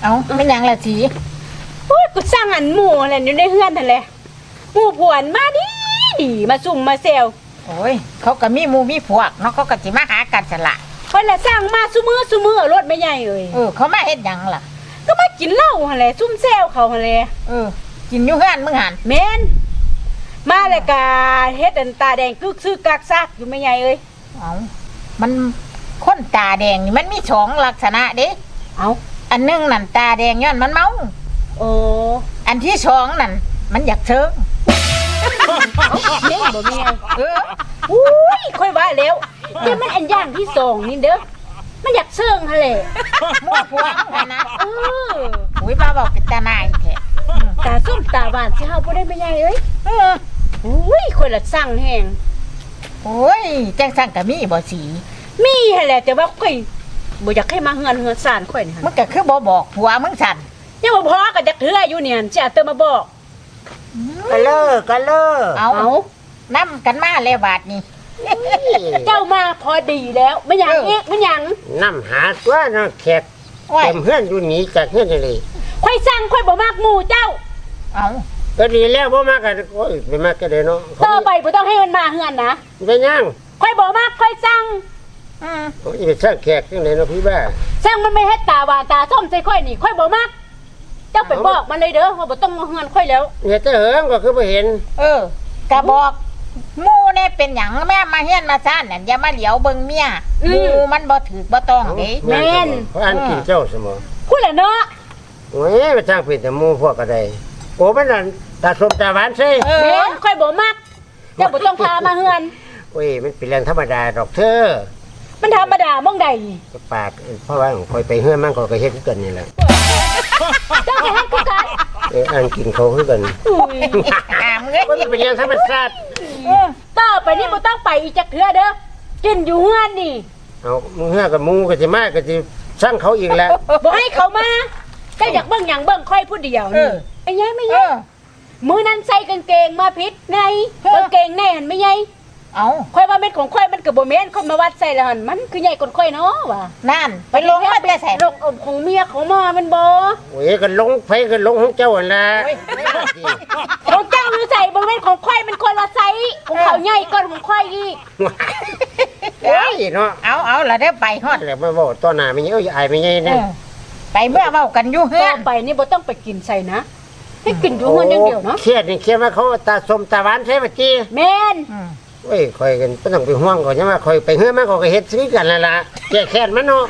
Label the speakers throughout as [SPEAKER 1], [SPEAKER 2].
[SPEAKER 1] เอาไม่ยังละสี
[SPEAKER 2] โอ้ยกูสร้างอันหมู่อะไรอยู่ในเฮือนนั่นแหละหมู่ผวนมาดีมาซุ่มมาเซล
[SPEAKER 1] โอ้ยเขาก็มีหมู่มีพวกเนาะเขาก็สิมาหากันสละ
[SPEAKER 2] คนละสร้างมาซุมือรถไม่ใหญ่เอ้ย
[SPEAKER 1] เขามาเฮ็ดหยังล่ะ
[SPEAKER 2] ก็มากินเหล้าหั่นแหละซุ่มเซลเขาหั่นแหละ
[SPEAKER 1] กินอยู่เฮือนมึงหัน
[SPEAKER 2] แม่นมาเลยกาเฮ็ดอันตาแดงกึกซึกกักซักอยู่ไม่ใหญ่เอ้ย
[SPEAKER 1] เอามันคนตาแดงนี่มันมีสองลักษณะเด้
[SPEAKER 2] เอา
[SPEAKER 1] อันหนึงนั่นตาแดงย้อนมันเมา
[SPEAKER 2] โอ้
[SPEAKER 1] อันที่สองนั่นมันอยากเชิง
[SPEAKER 2] เด้งบ่แม่อุ้ยค่อยว่าแล้วแต่มันอันอย่างที่สองนี่เด้อมันอยากเชิงหั่นแหละ
[SPEAKER 1] มั่วพวงกันนะอุ้ยมาบอกเป็นตาหนายแท้
[SPEAKER 2] ตาส้มตาหวานสิเฮาบ่ได้ไม่ใหญ่เอ้ยอุ้ยค่อยละสั่งแฮง
[SPEAKER 1] โอ้ยจังสั่งก็มีบ่สี
[SPEAKER 2] มีหั่นแหละแต่ว่าค่อยบ่อยากให้มาเฮือนซ่านค่อยนี่หั่น
[SPEAKER 1] มึงก็คือบ่บอกผัวมึงสั่น
[SPEAKER 2] ยังบ่พอก็จักเทื่ออยู่เนี่ยสิเอาเติมมาบอก
[SPEAKER 3] ก็เลิก
[SPEAKER 1] เอานำกันมาแล้วบาดนี้
[SPEAKER 2] เจ้ามาพอดีแล้วไม่หยังอีกไม่หยัง
[SPEAKER 3] น้ำหาตัวน้ำแขกเต็มเฮือนอยู่หนีจากเฮือนเลย
[SPEAKER 2] ค่อยสั่งค่อยบ่มากหมู่เจ้า
[SPEAKER 1] เอา
[SPEAKER 3] ก็ดีแล้วบ่มากกันโอ้ยไม่มากก็ได้เนาะ
[SPEAKER 2] ต่อไปบ่ต้องให้มันมาเฮือนนะ
[SPEAKER 3] เป็นยัง
[SPEAKER 2] ค่อยบ่มากค่อยสั่ง
[SPEAKER 3] โอ้ยไปสร้างแขกจังได๋เนาะพี่บ้า
[SPEAKER 2] สั่งมันไม่ให้ตาหวานตาส้มใส่ค่อยนี่ค่อยบ่มากเจ้าไปบอกมันเลยเด้อว่าบ่ต้องมาเฮือนค่อยแล้ว
[SPEAKER 3] เนี่ยแต่เหิงก็คือบ่เห็น
[SPEAKER 1] ก็บอกหมู่เนี่ยเป็นหยังแม่มาเฮียนมาซ่านนั่นอย่ามาเหลียวเบิ่งเมียหมู่มันบ่ถูกบ่ต้องเด้
[SPEAKER 3] เพราะอันกินเจ้าเสมอ
[SPEAKER 2] พูดแหละเนาะ
[SPEAKER 3] โอ้ยไปสร้างเป็นแต่หมู่พวกก็ได้โอ้มันนั่นตาสมตาหวานซิ
[SPEAKER 2] แม่นค่อยบ่มากเจ้าบ่ต้องพามาเฮือน
[SPEAKER 3] โอ้ยมันเป็นเรื่องธรรมดาดอกเธอ
[SPEAKER 2] มันธรรมดามองใด
[SPEAKER 3] ก็ปากเพราะว่าคอยไปเฮือนมันก็เฮ็ดคือกันนี่แหละ
[SPEAKER 2] เจ้าก็เฮ็ดคือกัน
[SPEAKER 3] อันกินเขาคือกัน มันเป็นเรื่องธรรมชาติ
[SPEAKER 2] ต่อไปนี่บ่ต้องไปอีกจักเทื่อเด้อกินอยู่เฮือนนี่
[SPEAKER 3] เอามึงเฮือกับมูก็สิมาก็สิสร้างเขาอีกแล้ว
[SPEAKER 2] บ่ให้เขามาเจ้าอยากเบิ่งหยังเบิ่งค่อยผู้เดียวนี่ไม่ใหญ่ไม่ใหญ่มื้อนั้นใส่กางเกงมาผิดไงกางเกงแน่นไม่ใหญ่
[SPEAKER 1] เอา
[SPEAKER 2] ค่อยว่าเม็ดของค่อยมันก็บ่แม่นคนมาวัดใส่แล้วหั่นมันคือใหญ่กว่าค่อยเนาะว่ะ
[SPEAKER 1] นั่นไปลงมาแต่ใส่
[SPEAKER 2] ลงของเมียของมามันบ่
[SPEAKER 3] โอ้ยก็ลงไฟก็ลงของเจ้าหั่นล่ะ
[SPEAKER 2] ของเจ้าอยู่ใส่บ่แม่นของค่อยมันคนละไซส์ของเขาใหญ่กว่าของค่อยอีก
[SPEAKER 3] โอ้ยเนาะ
[SPEAKER 1] เอาละเด้อไปฮอด
[SPEAKER 3] แล้วมาบอกต่อหน้าไม่ใช่อายไม่ใช่นะ
[SPEAKER 1] ไปเมื่อเว้ากันอยู่เฮื
[SPEAKER 2] ต่
[SPEAKER 1] อ
[SPEAKER 2] อน ไปนี่บ่ต้องไปกินใส่นะให้กินอยู่เฮือนอย่างเดียวเนาะ
[SPEAKER 3] เครียดนี่เครียดว่าเขาตาสมตาหวานใช่ป่ะจี
[SPEAKER 2] แม่น
[SPEAKER 3] โอ้ยคอยกันบ่ต้องไปห่วงก่อนใช่ไหมคอยไปเฮือมันก็เฮ็ดซื้อกันนั่นล่ะแก้แค้นมันเนาะ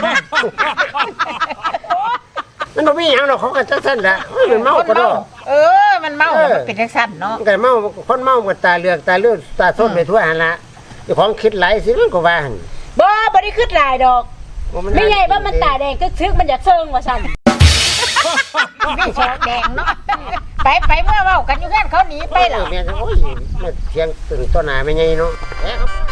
[SPEAKER 3] มันบ่มีหยังดอกเขาก็จังซั่นล่ะมันเมาก็ดอก
[SPEAKER 1] มันเมามันเป็นจังซั่นเนาะ
[SPEAKER 3] มันก็เมาคนเมาก็ตาเหลือกตาเลือดตาส้มไปทั่วหั่นล่ะเจ้าของคิดหลายสิมันก็ว่าหั่น
[SPEAKER 2] บ่ได้คิดหลายดอกไม่ใหญ่ว่ามันตาแดงก็ซึกมันอยากเซิงว่าซั่น
[SPEAKER 1] มีสองแดงเนาะไปเมื่อเว้ากันอยู่เฮือนเขาหนีไป
[SPEAKER 3] ไป
[SPEAKER 1] ล่ะ
[SPEAKER 3] แล้วแม่โอ้ยมาเถียงตื่นต้นหน้าไม่ใหญ่เนาะ